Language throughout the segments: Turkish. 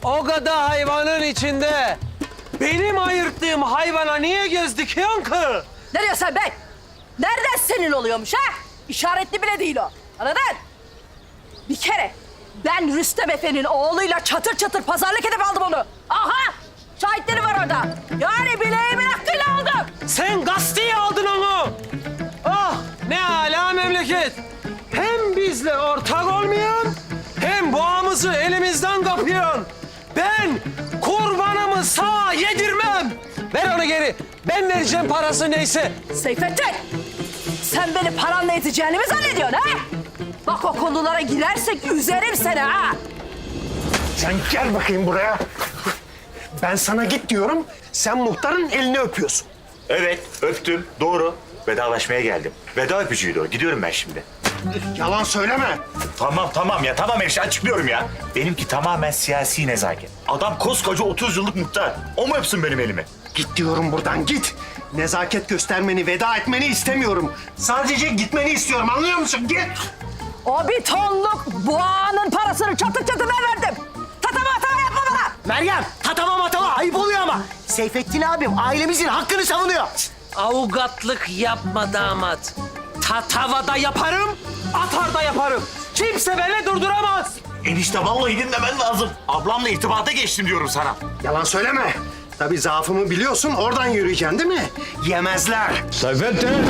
O kadar hayvanın içinde benim ayırttığım hayvana niye göz dikiyorsun ki? Ne diyorsun sen be? Nereden senin oluyormuş ha? İşaretli bile değil o. Anladın? Bir kere ben Rüstem Efe'nin oğluyla çatır çatır pazarlık edip aldım onu. Aha! Şahitleri var orada. Yani bileğimin hakkıyla aldım. Sen gazeteyi aldın onu. Ah ne âlâ memleket. Hem bizle ortak olmayan hem boğamızı elimizden kapıyorsun. Ben kurbanımı sağa yedirmem. Ver onu geri. Ben vereceğim parası neyse. Seyfettin! Sen beni paranla ezeceğini mi zannediyorsun ha? Bak o konulara girersek üzerim seni ha. Sen gel bakayım buraya. Ben sana git diyorum, sen muhtarın elini öpüyorsun. Evet, öptüm. Doğru. Vedalaşmaya geldim. Veda öpücüğüydü o. Gidiyorum ben şimdi. Yalan söyleme. Tamam ya. Tamam hemşire açıklıyorum ya. Benimki tamamen siyasi nezaket. Adam koskoca 30 yıllık muhtar. O mu öpsün benim elimi? Git diyorum buradan, git. Nezaket göstermeni, veda etmeni istemiyorum. Sadece gitmeni istiyorum, anlıyor musun? Git. O bir tonluk boğanın parasını çatır çatır ben verdim. Tatava atava yapma bana. Meryem, tatava matava ayıp oluyor ama. Seyfettin abim ailemizin hakkını savunuyor. Avukatlık yapma damat. Tatavada yaparım, atar da yaparım. Kimse beni durduramaz. Enişte vallahi dinlemen lazım. Ablamla irtibata geçtim diyorum sana. Yalan söyleme. Tabii zaafımı biliyorsun, oradan yürüyeceksin değil mi? Yemezler. Seyfettin!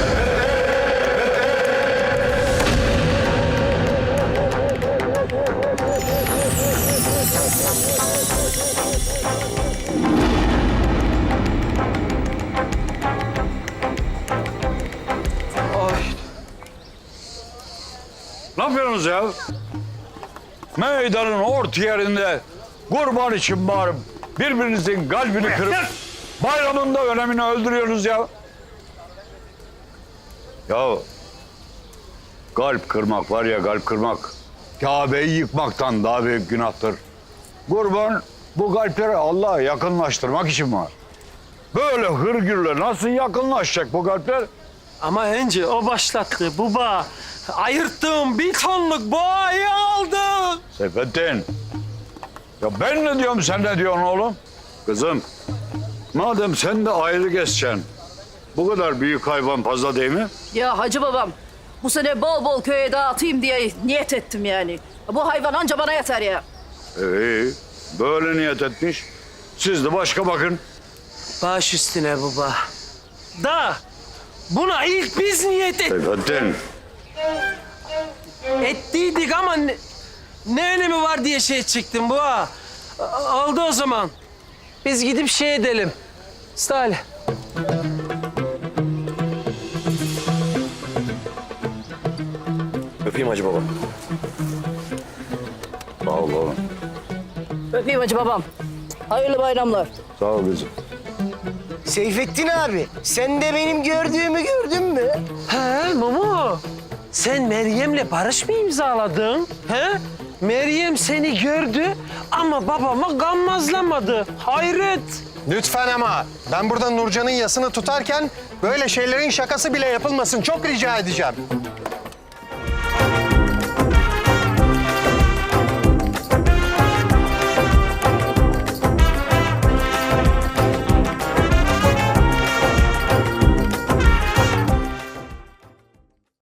Ne yapıyorsunuz ya? Meydanın orta yerinde kurban için bağırıp birbirinizin kalbini kırıp bayramın da önemini öldürüyorsunuz ya. Ya kalp kırmak var ya, kalp kırmak Kabe'yi yıkmaktan daha büyük günahtır. Kurban bu kalpleri Allah'a yakınlaştırmak için var. Böyle hırgürle nasıl yakınlaşacak bu kalpler? Ama önce o başlattı baba. Ayırttığım bir tonluk boğayı aldı. Seyfettin. Ya ben ne diyorum, sen ne diyorsun oğlum? Kızım, madem sen de ayrı geçeceksin, bu kadar büyük hayvan fazla değil mi? Ya hacı babam, bu sene bol bol köye dağıtayım diye niyet ettim yani. Bu hayvan anca bana yeter ya. İyi, böyle niyet etmiş. Siz de başka bakın. Baş üstüne baba. Da buna ilk biz niyet Seyfettin, ettiydik ama ne önemi var diye şey çıktım bu ha. Oldu o zaman. Biz gidip şey edelim. Salih. Öpeyim Hacı Baba. sağ ol oğlum. Öpeyim hacı babam. Hayırlı bayramlar. Sağ ol kızım. Seyfettin abi, sen de benim gördüğümü gördün mü? He Mumu. Sen Meryem'le barış mı imzaladın? He? Meryem seni gördü ama babama gammazlamadı. Hayret. Lütfen ama ben burada Nurcan'ın yasını tutarken böyle şeylerin şakası bile yapılmasın. Çok rica edeceğim.